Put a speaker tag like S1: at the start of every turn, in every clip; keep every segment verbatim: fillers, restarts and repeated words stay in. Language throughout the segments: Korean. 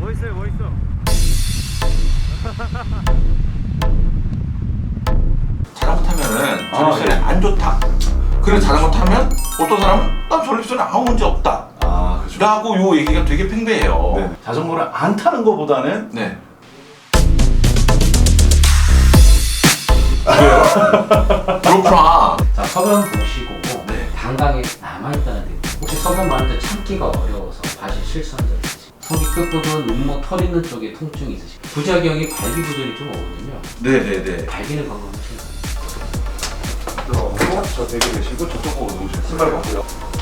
S1: 멋있어요, 멋있어.
S2: 자전거 타면은 전립선에 아, 네. 안 좋다. 그래서 자전거 타면 어떤 사람은 난 전립선에 아무 문제 없다.
S3: 아, 그렇죠.
S2: 라고 요 얘기가 되게 팽배해요.
S3: 네. 자전거를 안 타는 것보다는
S2: 네. 그렇구나.
S4: 자, 소변 보시고
S2: 네.
S4: 방광에 남아있다는 느낌. 혹시 소변 많을 때 참기가 어려워서 다시 실수한 적 있으세요? 속이 끝부분, 눈목, 털 있는 쪽에 통증이 있으시고 부작용이 발기부전이 좀 오거든요.
S2: 네네네.
S4: 발기는 건강하신가요?
S3: 들어오고 저 대기 되시고 저쪽 보고 누우시면 신발 벗고요.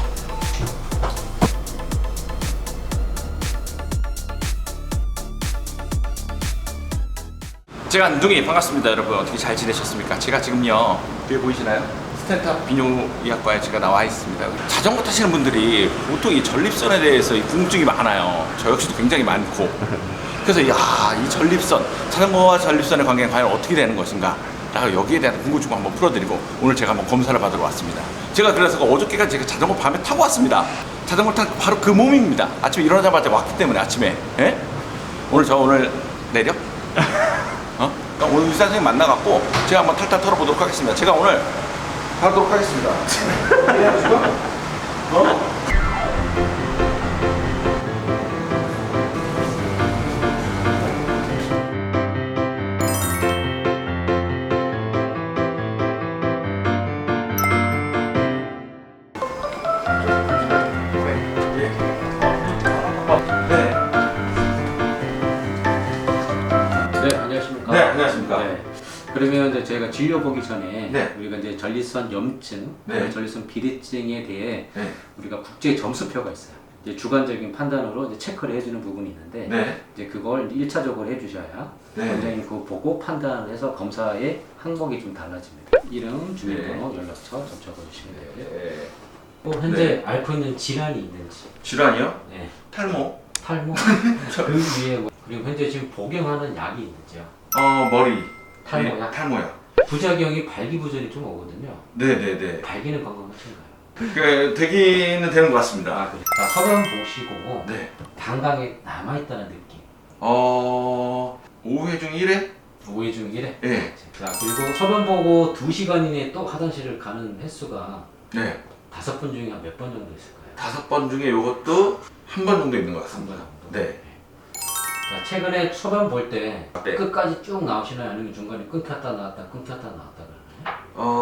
S2: 제가 안둥이 반갑습니다, 여러분. 어떻게 잘 지내셨습니까? 제가 지금요 뒤에 보이시나요? 스탠트업 비뇨의학과에 제가 나와 있습니다. 자전거 타시는 분들이 보통 이 전립선에 대해서 이 궁금증이 많아요. 저 역시도 굉장히 많고. 그래서 야이 전립선, 자전거와 전립선의 관계는 과연 어떻게 되는 것인가? 라고 여기에 대한 궁금증을 한번 풀어드리고 오늘 제가 한번 검사를 받으러 왔습니다. 제가 그래서 어저께까지 제가 자전거 밤에 타고 왔습니다. 자전거 탄 바로 그 몸입니다. 아침에 일어나자마자 왔기 때문에 아침에. 예? 오늘 저 오늘 내려? 어? 그러니까 오늘 의사 선생님 만나갖고 제가 한번 탈탈 털어보도록 하겠습니다. 제가 오늘 하도록 하겠습니다. 어?
S4: 네, 안녕하십니까?
S2: 네, 안녕하십니까?
S4: 네. 그러면 이제 저희가 진료 보기 전에
S2: 네.
S4: 우리가 이제 전립선 염증,
S2: 네.
S4: 전립선 비대증에 대해
S2: 네.
S4: 우리가 국제 점수표가 있어요. 이제 주관적인 판단으로 이제 체크를 해주는 부분이 있는데
S2: 네.
S4: 이제 그걸 일차적으로 해주셔야
S2: 네.
S4: 원장님 그거 보고 판단을 해서 검사의 항목이 좀 달라집니다. 이름, 주민번호, 연락처 접촉해 주시면 되고요.
S2: 네.
S4: 또 현재 앓고 있는 질환이 있는지,
S2: 질환이요?
S4: 네.
S2: 탈모?
S4: 탈모, 그 위에 뭐, 그리고 현재 지금 복용하는 약이 있는지요.
S2: 어, 머리.
S4: 탈모약?
S2: 네, 탈모약.
S4: 부작용이 발기부전이 좀 오거든요.
S2: 네네네.
S4: 발기는 건강하신가요?
S2: 그, 되기는 되는 것 같습니다.
S4: 아, 그래. 자, 소변 보시고
S2: 네.
S4: 방광에 남아있다는 느낌.
S2: 어, 오후 회 중 일 회?
S4: 오 회 중 일 회?
S2: 네.
S4: 자, 그리고 소변 보고 두 시간 이내에 또 화장실을 가는 횟수가
S2: 네.
S4: 다섯 번 중에 한 몇 번 정도 있을까요?
S2: 다섯 번 중에 이것도 한 번 정도 있는 것 같습니다.
S4: 한 번 정도?
S2: 네.
S4: 자, 최근에 소변 볼 때
S2: 네.
S4: 끝까지 쭉 나오시나요? 아니면 중간에 끊겼다 나왔다 끊겼다 나왔다 그러나요?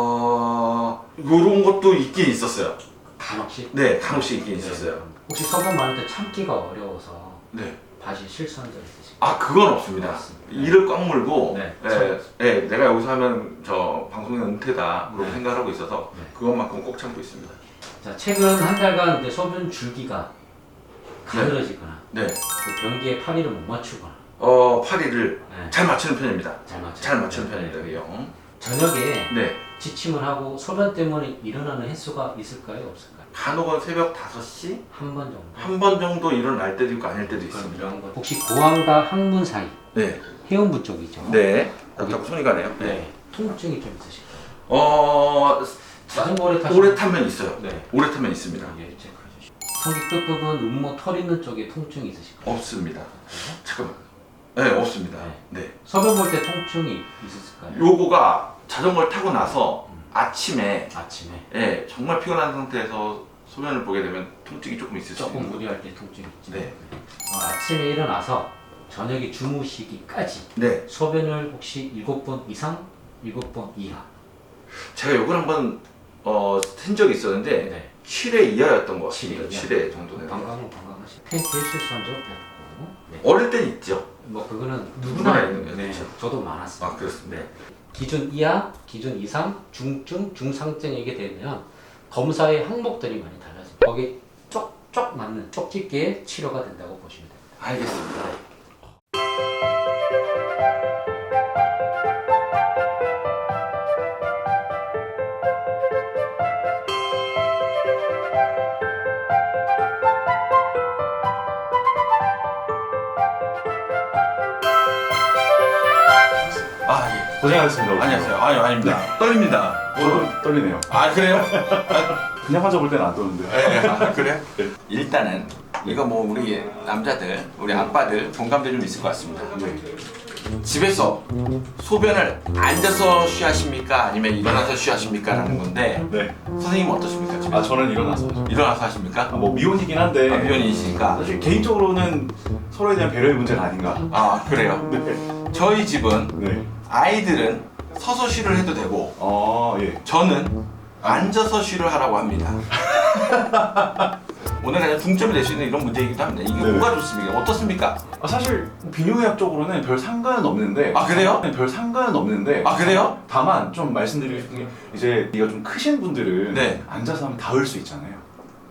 S2: 어, 요런 것도 있긴 있었어요.
S4: 간혹씩?
S2: 네, 간혹씩 있긴 있었어요.
S4: 혹시 소변 많을 때 참기가 어려워서
S2: 네.
S4: 다시 실수한 적 있으신가요?
S2: 아, 그건 없습니다.
S4: 없습니다.
S2: 이를 꽉 물고,
S4: 네.
S2: 예, 예, 내가 여기서 하면 저 방송의 은퇴다. 그렇게
S4: 네.
S2: 생각하고 있어서
S4: 네.
S2: 그것만큼 꼭 참고 있습니다.
S4: 자, 최근 한 달간 이제 소변 줄기가 가늘어지거나
S2: 네.
S4: 그 변기에 파리를 못 맞추거나
S2: 어, 파리를
S4: 네.
S2: 잘 맞추는 편입니다.
S4: 잘 맞추
S2: 잘 맞추는 편입니다, 그요.
S4: 저녁에
S2: 네.
S4: 지침을 하고 소변 때문에 일어나는 횟수가 있을까요, 없을까요?
S2: 간혹은 새벽 다섯 시?
S4: 한 번 정도.
S2: 한 번 정도 일어날 때도 있고 아닐 때도 있습니다.
S4: 그럼 이런 거. 혹시 고환과 항문 사이
S2: 네.
S4: 해운부 쪽이죠?
S2: 네. 그렇다고 손이 가네요. 네.
S4: 네. 통증이 좀 있으실까요?
S2: 어,
S4: 자전거 오래 타시면
S2: 오래 타면 있어요.
S4: 네.
S2: 오래 타면 있습니다.
S4: 예, 체크해 주시고. 성기 끝부분, 눈목, 털 있는 쪽에 통증이 있으실까요?
S2: 없습니다. 잠깐만. 네, 없습니다. 네.
S4: 소변 볼 때 통증이 있으실까요?
S2: 요거가 자전거를 타고 나서 아침에
S4: 아침에
S2: 예, 정말 피곤한 상태에서 소변을 보게 되면 통증이 조금 있을 수
S4: 조금
S2: 있는
S4: 무리할 때 통증이 있죠.
S2: 네.
S4: 어, 아침에 일어나서 저녁에 주무시기까지
S2: 네.
S4: 소변을 혹시 일곱 번 이상, 일곱 번 이하.
S2: 제가 요걸 한번 어, 쓴 적이 있었는데
S4: 네.
S2: 칠 회 이하였던 것 같습니다.
S4: 칠 회
S2: 칠 회 정도는.
S4: 건강은 건강하시. 팬티에 실수한 적 없고. 네.
S2: 어릴 땐 있죠.
S4: 뭐 그거는
S2: 누구나
S4: 누구나
S2: 있는 거죠.
S4: 네. 저도 많았어요.
S2: 아, 그렇습니다.
S4: 네. 기준 이하, 기준 이상, 중증, 중상증이게 되면 검사의 항목들이 많이 달라집니다. 거기 쪽쪽 맞는 쪽집게의 치료가 된다고 보시면 됩니다.
S2: 알겠습니다. 아, 예.
S3: 고생하셨습니다.
S2: 안녕하세요. 아유, 아닙니다. 떨립니다.
S3: 저도 떨리네요.
S2: 아, 그래요?
S3: 그냥 환자 볼 때는 안 떠는데.
S2: 네, 아, 그래요? 일단은 이거 뭐 우리 남자들, 우리 아빠들 공감대 좀 있을 것 같습니다.
S3: 네.
S2: 집에서 소변을 앉아서 쉬하십니까? 아니면 일어나서 쉬하십니까? 라는 건데
S3: 네.
S2: 선생님은 어떠십니까? 집에서?
S3: 아 저는 일어나서 하죠.
S2: 일어나서 하십니까?
S3: 아, 뭐 미혼이긴 한데
S2: 아, 미혼이시니까.
S3: 사실 개인적으로는 서로에 대한 배려의 문제가 아닌가.
S2: 아 그래요?
S3: 네.
S2: 저희 집은
S3: 네.
S2: 아이들은 서서 쉬를 해도 되고
S3: 아 예.
S2: 저는 앉아서 쉬를 하라고 합니다. 오늘 그냥 중점이 될 수 있는 이런 문제이기도 합니다. 이게
S3: 네네.
S2: 뭐가 좋습니까? 어떻습니까?
S3: 아 사실 비뇨의학적으로는 별 상관은 없는데.
S2: 아, 그래요?
S3: 네, 별 상관은 없는데.
S2: 아 그래요?
S3: 다만 좀 말씀드리고 싶은 게 이제 이가 좀 크신 분들은
S2: 네.
S3: 앉아서 하면 닿을 수 있잖아요.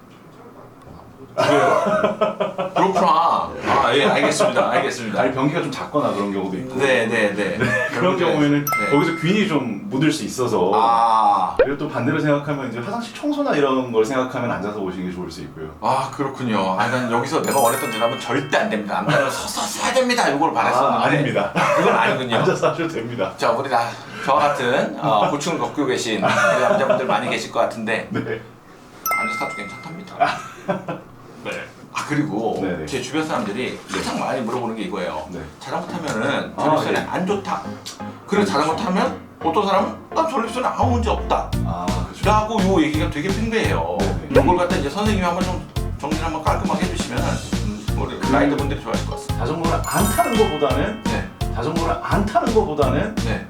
S2: 그렇구나. 아 예 알겠습니다. 알겠습니다.
S3: 아니 변기가 좀 작거나 그런 경우도 있고.
S2: 네네네.
S3: 그런 경우에는
S2: 네.
S3: 거기서 균이 좀 묻을 수 있어서.
S2: 아,
S3: 그리고 또 반대로 생각하면 이제 화장실 청소나 이런 걸 생각하면 앉아서 오시는 게 좋을 수 있고요.
S2: 아 그렇군요. 아, 난 여기서 내가 원했던 대답은 절대 안 됩니다. 남자는 서서 써야 됩니다. 이걸 바랬었는데
S3: 아, 아닙니다.
S2: 그건 아니군요.
S3: 앉아서 하셔도 됩니다.
S2: 자 우리 나 저와 같은 어, 고충을 겪고 계신 우리 남자분들 많이 계실 것 같은데
S3: 네.
S2: 앉아서 타도 괜찮답니다. 네. 아 그리고
S3: 네네.
S2: 제 주변 사람들이 가장 많이 물어보는 게 이거예요.
S3: 네.
S2: 자전거 타면은
S3: 아,
S2: 전립선에
S3: 예.
S2: 안 좋다. 그리고 자전거 타면 어떤 사람은 난 전립선에 아무 문제 없다.
S3: 아 그렇죠.
S2: 라고 요 얘기가 되게 팽배해요.
S3: 네네.
S2: 이걸 갖다 이제 선생님이 한번 좀 정리를 한번 깔끔하게 해주시면 음, 우리
S3: 그-
S2: 라이더 분들이 좋아하실 것 같습니다.
S3: 자전거를 안 타는 것보다는
S2: 네.
S3: 자전거를 안 타는 것보다는
S2: 네.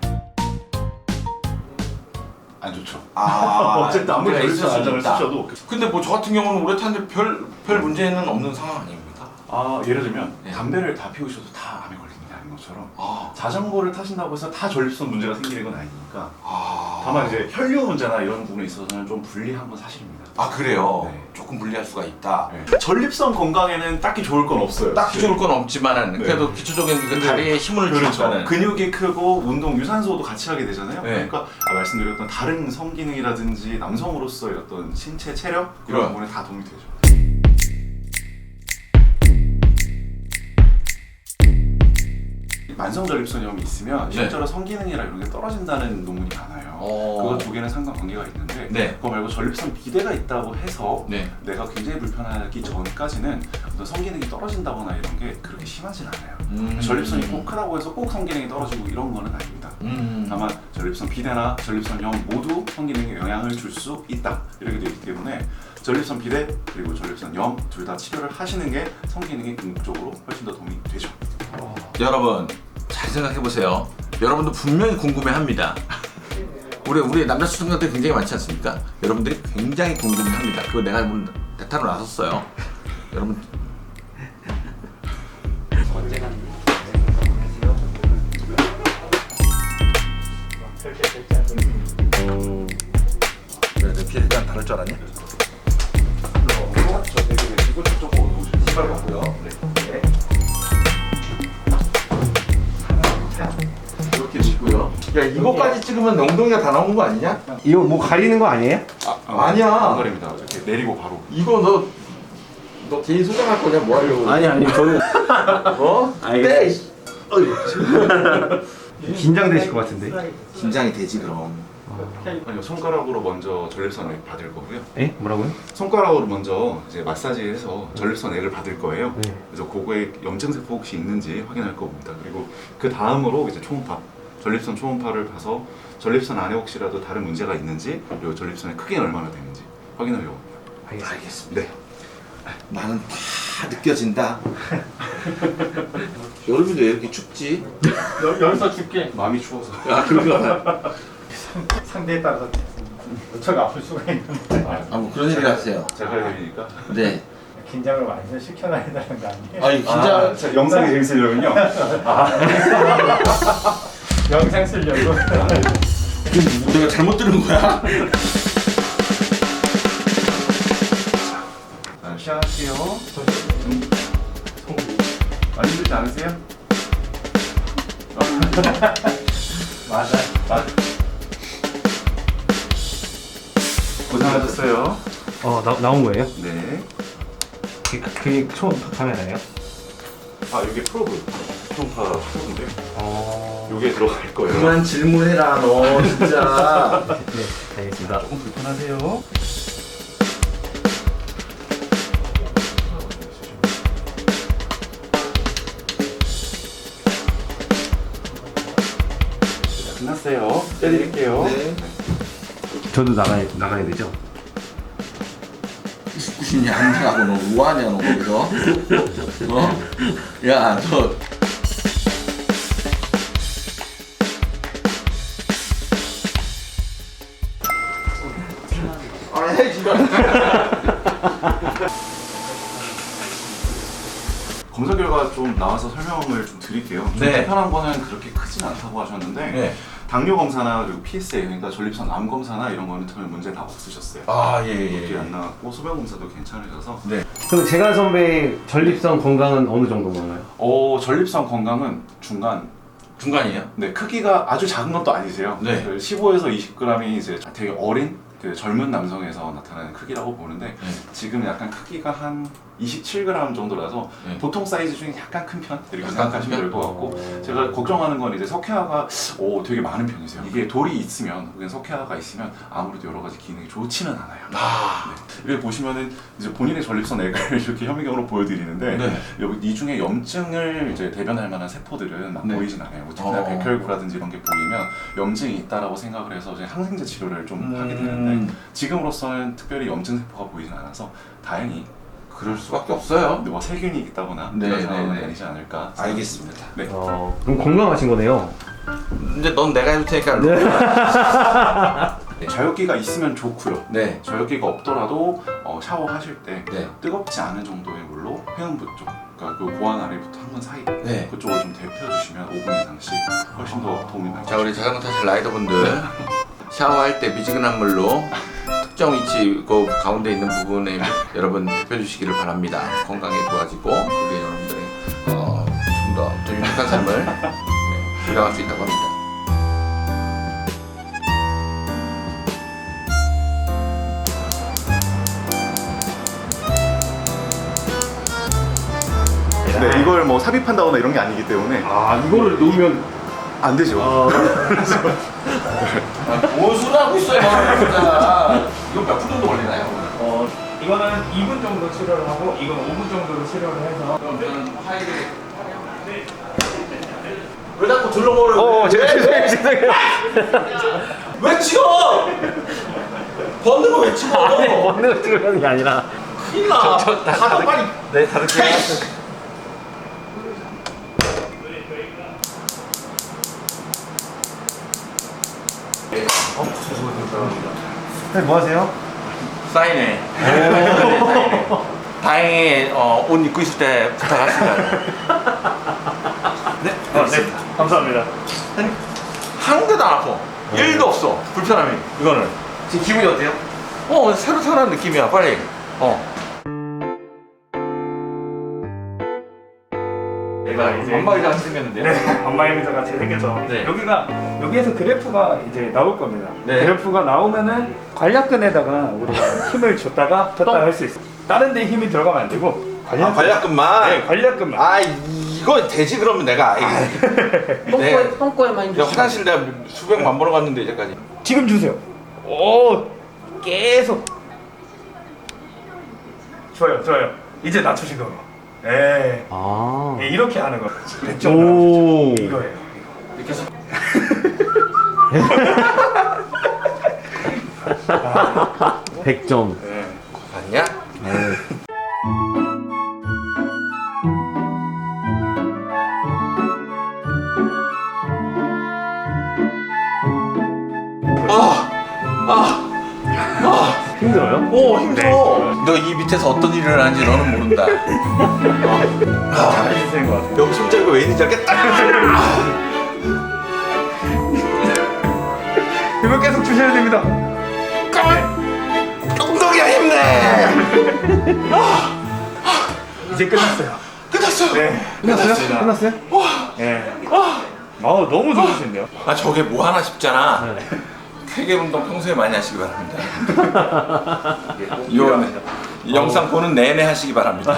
S3: 안 좋죠.
S2: 아,
S3: 어쨌든 아무리
S2: 문제가 있을
S3: 전립선
S2: 수
S3: 안전을
S2: 있다.
S3: 쓰셔도
S2: 근데 뭐 저 같은 경우는 오래 타는데 별, 별 문제는 없는 상황 아닙니까?
S3: 아 예를 들면
S2: 네.
S3: 담배를 다 피우셔도 다 암에 걸리는 게 아닌 것처럼
S2: 아,
S3: 자전거를 타신다고 해서 다 전립선 문제가 생기는 건 아니니까.
S2: 아,
S3: 다만 이제 혈류 문제나 이런 부분에 있어서는 좀 불리한 건 사실입니다.
S2: 아 그래요?
S3: 네.
S2: 조금 불리할 수가 있다.
S3: 네. 전립선 건강에는 딱히 좋을 건 없어요.
S2: 딱히 좋을 건 없지만은
S3: 네.
S2: 그래도 기초적인 그
S3: 근데
S2: 다리에 힘을
S3: 그렇죠.
S2: 주니까는
S3: 근육이 크고 운동 유산소도 같이 하게 되잖아요.
S2: 네.
S3: 그러니까 아, 말씀드렸던 다른 성기능이라든지 남성으로서의 어떤 신체 체력 그런
S2: 네.
S3: 부분에 다 도움이 되죠. 만성 전립선염이 있으면
S2: 네.
S3: 실제로 성기능이나 이런 게 떨어진다는 논문이 많아요.
S2: 어.
S3: 그거 두 개는 상관관계가 있는데
S2: 네.
S3: 그거 말고 전립선 비대가 있다고 해서
S2: 네.
S3: 내가 굉장히 불편하기 전까지는 어떤 성기능이 떨어진다거나 이런 게 그렇게 심하진 않아요.
S2: 음.
S3: 전립선이 꼭 크다고 해서 꼭 성기능이 떨어지고 이런 거는 아닙니다.
S2: 음.
S3: 다만 전립선 비대나 전립선염 모두 성기능에 영향을 줄 수 있다 이렇게 되어 있기 때문에 전립선 비대 그리고 전립선염 둘 다 치료를 하시는 게 성기능에 궁극적으로 훨씬 더 도움이 되죠.
S2: 여러분 잘 생각해 보세요. 여러분도 분명히 궁금해합니다. 우리 우리 남자 시청자들 굉장히 많지 않습니까? 여러분들이 굉장히 궁금해합니다. 그거 내가 한번 대타로 나섰어요. 여러분
S4: 언제가
S2: 왜 내 피해 일단 다를 줄 알았냐?
S3: 저 되게 계시고 저쪽으로 오시면
S2: 신발 벗고요. 네. 이렇게 찍고요. 야 이거까지 찍으면 엉덩이가 다 나온 거 아니냐?
S1: 이거 뭐 가리는 거 아니에요?
S3: 아,
S2: 아니야.
S3: 안 가립니다. 이렇게 내리고 바로.
S2: 이거 너, 너 개인 소장할 거냐? 뭐 하려고?
S1: 아니 아니 저는
S2: 어?
S1: 아니,
S2: 네. 씨. 어이.
S1: 긴장되실 것 같은데.
S2: 긴장이 되지 그럼.
S3: 아니요, 손가락으로 먼저 전립선액 받을 거고요.
S1: 에? 뭐라고요?
S3: 손가락으로 먼저 이제 마사지해서 전립선액을 받을 거예요.
S1: 네.
S3: 그래서 그거에 염증세포 혹시 있는지 확인할 겁니다. 그리고 그 다음으로 이제 초음파, 전립선 초음파를 봐서 전립선 안에 혹시라도 다른 문제가 있는지 그리고 전립선의 크기는 얼마나 되는지 확인하려고 합니다.
S2: 알겠습니다.
S3: 네.
S2: 나는 다 느껴진다. 여름인데 왜 이렇게 춥지?
S5: 여기서 줄게.
S3: 마음이 추워서.
S2: 아 그런가?
S5: 상대에 따라서 어처가 아플 수가 있는데
S2: 아 뭐 그런 얘기를 하세요.
S3: 제가 할 일이니까.
S2: 네.
S5: 긴장을 완전 시켜놔야 되는 거 아니에요?
S2: 아니 긴장.
S3: 아, 자, 영상이 재밌으려면요.
S5: 영상 쓰려고.
S2: 내가 잘못 들은 거야?
S3: 자, 시작할게요. 많이 힘들지 않으세요?
S5: 맞아.
S3: 아. 고생하셨어요.
S1: 어 나, 나온 거예요?
S3: 네.
S1: 그, 그 처음 카메라예요?
S3: 아, 이게 프로브. 초음파 프로브인데.
S1: 어.
S3: 요게 들어갈 거예요.
S2: 그만 질문해라 너 진짜.
S1: 네 알겠습니다.
S3: 조금 불편하세요. 끝났어요. 빼드릴게요.
S2: 네.
S1: 저도 나가야 나가야 되죠?
S2: 구신이 안 나가고 너 뭐하냐 너 거기서? 어? 야 너. 아이 진짜.
S3: 검사 결과 좀 나와서 설명을 좀 드릴게요. 좀
S2: 네.
S3: 불편한 거는 그렇게 크진 않다고 하셨는데
S2: 네.
S3: 당뇨 검사나 그리고 피에스에이 그러니까 전립선 암 검사나 이런 거는 전혀 문제 다 없으셨어요.
S2: 아
S3: 그게
S2: 예예.
S3: 안 나왔고 소변 검사도 괜찮으셔서
S2: 네.
S1: 그럼 제가 선배 전립선 건강은 어느 정도 건가요?
S3: 어 전립선 건강은 중간.
S2: 중간이에요?
S3: 네 크기가 아주 작은 것도 아니세요.
S2: 네.
S3: 그 십오에서 이십 그램이 이제 되게 어린 그 젊은 남성에서 나타나는 크기라고 보는데
S2: 네.
S3: 지금 약간 크기가 한 이십칠 그램 정도라서
S2: 네.
S3: 보통 사이즈 중에 약간 큰 편 이렇게
S2: 약간
S3: 생각하시면
S2: 큰
S3: 될 것 같고 제가 걱정하는 건 이제 석회화가 오 되게 많은 편이세요. 이게 돌이 있으면 혹은 석회화가 있으면 아무래도 여러 가지 기능이 좋지는 않아요.
S2: 아.
S3: 네. 이렇게 보시면은 이제 본인의 전립선 액을 이렇게 현미경으로 보여드리는데
S2: 네.
S3: 여기 이 중에 염증을 이제 대변할 만한 세포들은 막
S2: 네.
S3: 보이진 않아요. 뭐 특히나
S2: 어.
S3: 백혈구라든지 이런 게 보이면 염증이 있다라고 생각을 해서 이제 항생제 치료를 좀
S2: 음.
S3: 하게 되는데 지금으로서는 특별히 염증 세포가 보이진 않아서 다행히
S2: 그럴 수밖에 없어요.
S3: 뭐 세균이 있다거나
S2: 네,
S3: 그런
S2: 네,
S3: 상황은
S2: 네.
S3: 아니지 않을까.
S2: 알겠습니다.
S3: 네.
S1: 어, 그럼 건강하신 거네요.
S2: 이제 넌 내가 해줄 테니까. 네.
S3: 자유기가 있으면 좋고요.
S2: 네.
S3: 자유기가 없더라도 어, 샤워하실 때
S2: 네.
S3: 뜨겁지 않은 정도의 물로 회음부 쪽, 그러니까 그 고안 아래부터 항문 사이
S2: 네.
S3: 그쪽을 좀 데펴주시면 오 분 이상씩 훨씬 더 도움이 많이
S2: 자 우리 자전거 타실 라이더분들 샤워할 때 미지근한 물로 특정 위치 그 가운데 있는 부분에 여러분 데펴주시기를 바랍니다. 건강에 좋아지고 그게 여러분들의 어, 좀 더 더 유익한 삶을 네, 보장할 수 있다고 합니다.
S3: 네, 이걸 뭐 삽입한다거나 이런 게 아니기 때문에
S1: 아 이거를 놓으면
S3: 안 되죠.
S1: 어,
S2: 뭔 소리 하고 있어요, 진짜. 이거 몇 분 정도 걸리나요?
S5: 어, 이거는 이 분 정도 치료를 하고 이건 오 분 정도로 치료를 해서
S2: 그럼 저는 화이를 왜 자꾸 둘러보는
S1: 어 제가 죄송해요 죄송해요.
S2: 왜 치워? 벗는 거 왜 치워?
S1: 아니 먹는 거 찍으려는 게 아니라.
S2: 큰일 나. 가다 빨리.
S1: 네 다르게. 네, 뭐 하세요?
S2: 사인해. 사인해. 다행히 어, 옷 입고 있을 때 부탁하시다.
S5: 네, 어, 네, 감사합니다.
S2: 한 개도 안 아파. 일도 없어. 불편함이. 이거는.
S1: 지금 기분이 어때요?
S2: 어 새로 태어난 느낌이야. 빨리. 어.
S5: 내가 이제
S2: 안마의자 같이 생겼는데요?
S5: 네, 안마의자 같이 생겼죠.
S2: 네.
S5: 여기가 여기에서 그래프가 이제 나올 겁니다.
S2: 네.
S5: 그래프가 나오면은 관략근에다가 우리가 힘을 줬다가 폈다 할 수 있어. 다른 데 힘이 들어가면 안 되고
S2: 아, 관략근만.
S5: 네, 관략근만.
S2: 아 이거 되지 그러면 내가.
S4: 똥꼬에 똥꼬에만 힘
S2: 내가
S4: 주시면
S2: 화장실 내가 수백 만 번을 갔는데 이제까지.
S5: 지금 주세요. 오, 계속. 좋아요, 좋아요. 이제 낮추신 거예요. 예.
S1: 아.
S5: 예, 이렇게 하는 거. 백 점
S1: 오.
S5: 이거예요.
S2: 이렇게 해서.
S1: 백 점.
S5: 예.
S2: 봤냐? 아, 아, 아,
S1: 힘들어요?
S2: 오 힘들어. 너 이 밑에서 어떤 일을 하는지 너는 모른다. 어. 아,
S5: 잘해주시는 것 같아요.
S2: 여기 손잡이가 왜 있는지 알겠다.
S5: 이거 계속 주셔야 됩니다.
S2: 엉덩이야 힘내.
S5: 이제 끝났어요.
S2: 끝났어.
S5: 네.
S1: 끝났어요? 끝났어요?
S5: 예. 아우 너무 좋으신데요.
S2: 아 저게 뭐 하나 싶잖아. 쾌계 운동 평소에 많이 하시기 바랍니다. 요 이 영상 보는 내내 하시기 바랍니다.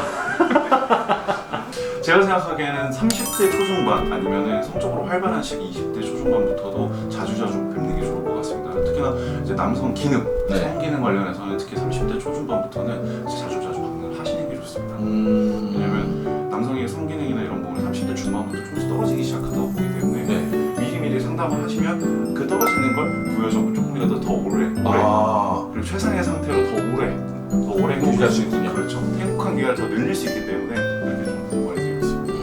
S3: 제가 생각하기에는 삼십 대 초중반 아니면은 성적으로 활발한 시기 이십 대 초중반부터도 자주자주 뵙는 게 좋을 것 같습니다. 특히나 이제 남성 기능,
S2: 네.
S3: 성기능 관련해서는 특히 삼십 대 초중반부터는 자주자주 방문을 하시는 게 좋습니다.
S2: 음...
S3: 왜냐면 남성의 성기능이나 이런 부분이 삼십 대 중반부터 조금씩 떨어지기 시작하다 보기 때문에
S2: 네.
S3: 미리미리 상담 탑을 하시면 그 떨어지는 걸 부여적으로 조금이라도 더 오래, 오래
S2: 아,
S3: 그리고 최상의 상태로 더 오래, 더 오래
S2: 유지할 수 있군요.
S3: 그렇죠. 행복한 기간을 더 늘릴 수 있기 때문에 이렇게 좀 공부해드리고 있습니다.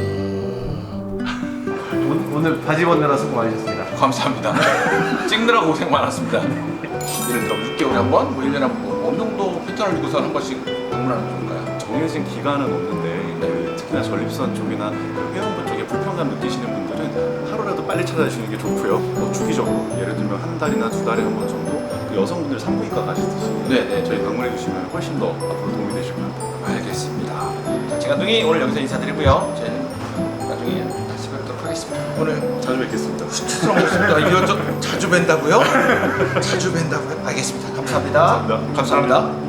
S1: 오늘, 오늘 바지 벗느라 수고 많으셨습니다.
S2: 감사합니다. 찍느라 고생 많았습니다. 예를 들어 육 개월에 한 번, 뭐 일 년에 한 번, 어느 정도 패턴을 두고서 한 번씩 방문하는 건가요?
S3: 정해진 기간은 없는데 그 특히나 전립선 쪽이나 그 회원부 쪽에 불편감 느끼시는 분들은 하루라도 빨리 찾아주시는 게 좋고요. 뭐 주기적으로 예를 들면 한 달이나 두 달에 한 번 정도 그 여성분들 산부인과 가시듯이
S2: 네네.
S3: 저희 방문해 주시면 훨씬 더 앞으로 도움이 되실 것 같아요.
S2: 알겠습니다. 자, 제간둥이 오늘 여기서 인사드리고요. 저희는 나중에 다시 뵙도록 하겠습니다. 오늘
S3: 자주 뵙겠습니다.
S2: 수고하셨습니다. 이거 저 자주 뵌다고요? 자주 뵌다고요? 알겠습니다. 감사합니다.
S3: 감사합니다.
S2: 감사합니다.